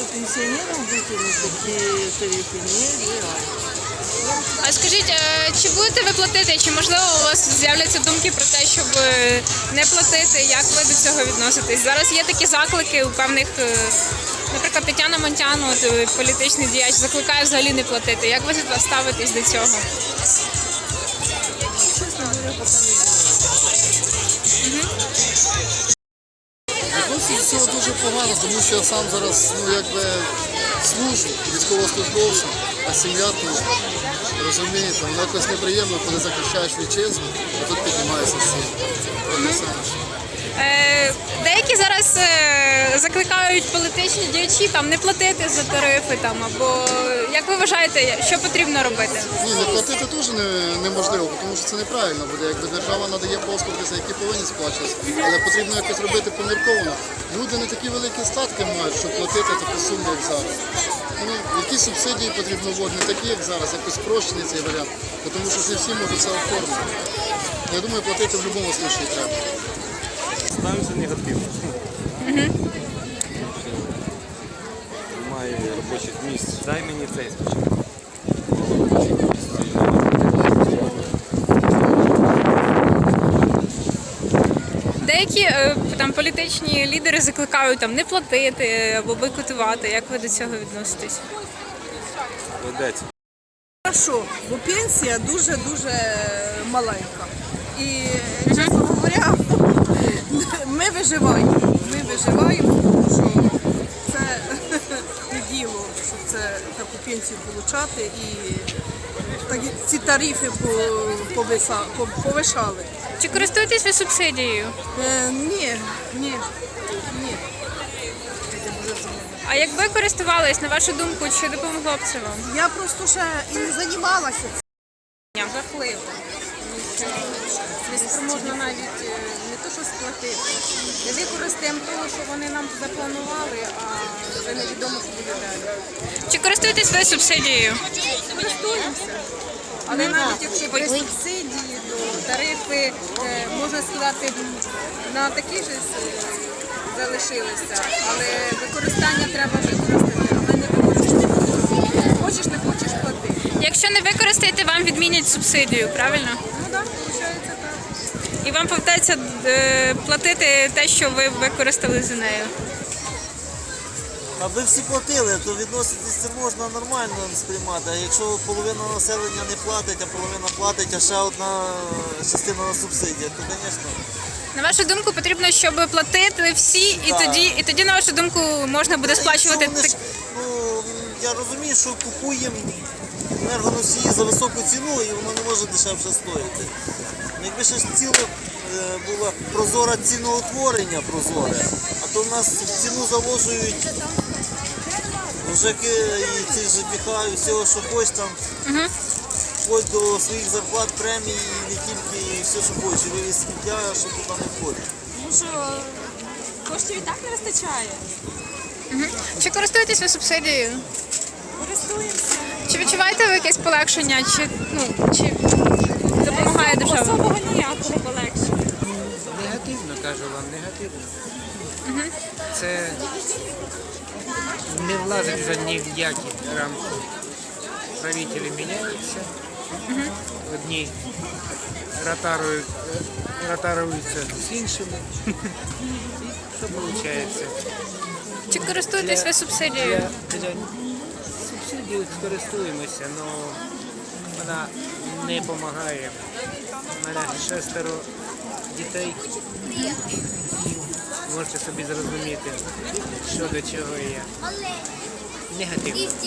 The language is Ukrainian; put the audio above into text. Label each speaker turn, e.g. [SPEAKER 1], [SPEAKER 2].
[SPEAKER 1] пенсионерам выкинуть такие тарифы нереально.
[SPEAKER 2] А скажіть, чи будете ви платити, чи можливо у вас з'являться думки про те, щоб не платити? Як ви до цього відноситесь? Зараз є такі заклики у певних, наприклад, Тетяна Монтян, політичний діяч, закликає взагалі не платити. Як ви ставитесь до цього?
[SPEAKER 1] Честно говоря, пока не знаю.
[SPEAKER 3] Відносить цього дуже погано, тому що я сам зараз служу військовослужбовцем, а сім'я тут, розумієте, воно якось неприємно, коли захищаєш вітчизну, а тут піднімається сім.
[SPEAKER 2] Деякі зараз закликають політичні діячі не платити за тарифи або як ви вважаєте, що потрібно робити?
[SPEAKER 3] Ні, не платити теж неможливо, тому що це неправильно буде. Якби держава надає послуги, за які повинні сплачуватися, але потрібно якось робити помірковано. Люди не такі великі статки мають, щоб платити таку суму, як зараз. Які субсидії потрібно вводити, не такі, як зараз, якось спрощений цей варіант, тому що не всі можуть це оформити. Я думаю, платити в будь-якому випадку треба.
[SPEAKER 4] Ставимося негативно. Немає робочих місць. Дай мені цей спочатку.
[SPEAKER 2] Деякі політичні лідери закликають не платити або бойкотувати. Як ви до цього відноситесь?
[SPEAKER 4] Ведеться.
[SPEAKER 1] Хорошо, бо пенсія дуже-дуже маленька. І, чесно говоря, ми виживаємо. Тому що це не діло, щоб це таку пенсію отримати. І ці тарифи повишали.
[SPEAKER 2] Чи користуєтесь ви субсидією?
[SPEAKER 1] Ні.
[SPEAKER 2] А якби користувались, на вашу думку, чи допомогло б це вам?
[SPEAKER 1] Я просто ще і не займалася цим.
[SPEAKER 5] Жахливо. Не спроможна навіть не то, що сплатити. Не використаємо того, що вони нам запланували, а вже невідомо, що буде далі.
[SPEAKER 2] Чи користуєтесь ви субсидією?
[SPEAKER 5] Користуємося. Але навіть якщо без субсидії, то тарифи, можна сказати, на такі ж залишилися. Але використання треба використати, але не використати. Хочеш, не хочеш, плати.
[SPEAKER 2] Якщо не використаєте, вам відмінять субсидію, правильно?
[SPEAKER 5] Ну так, виходить так.
[SPEAKER 2] І вам повертається платити те, що ви використали за нею.
[SPEAKER 6] Аби всі платили, то відноситись це можна нормально сприймати. А якщо половина населення не платить, а половина платить, а ще одна частина на субсидіях, то, звісно.
[SPEAKER 2] На вашу думку, потрібно, щоб платили всі, і тоді, на вашу думку, можна буде сплачувати.
[SPEAKER 6] Я розумію, що купуємо енергоносії за високу ціну і воно не може дешевше стоїти. Якби ще ціла була прозора ціноутворення прозоре, а то в нас в ціну заложують ЖЕКи і ці ЖКХ, і всього, що хочеш там, вплоть до своїх зарплат, премій, і не тільки, і все, що хочеш, і вивіз сміття, що туди не входить.
[SPEAKER 5] Тому що коштів і так не вистачає.
[SPEAKER 2] Чи користуєтесь ви субсидією?
[SPEAKER 5] Користуємося.
[SPEAKER 2] Чи відчуваєте ви якесь полегшення, чи допомагає держава?
[SPEAKER 5] Особого ніякого полегшення.
[SPEAKER 7] Негативно, кажу вам, негативно. Це не влазить вже ні в які рамки. Правителі міняються, одні ротаруються з іншими. І що виходить?
[SPEAKER 2] Чи користуєтесь ви субсидією?
[SPEAKER 7] Субсидією користуємося, але вона не допомагає. У мене 6 дітей. Можете собі зрозуміти, що до чого є. Негативно.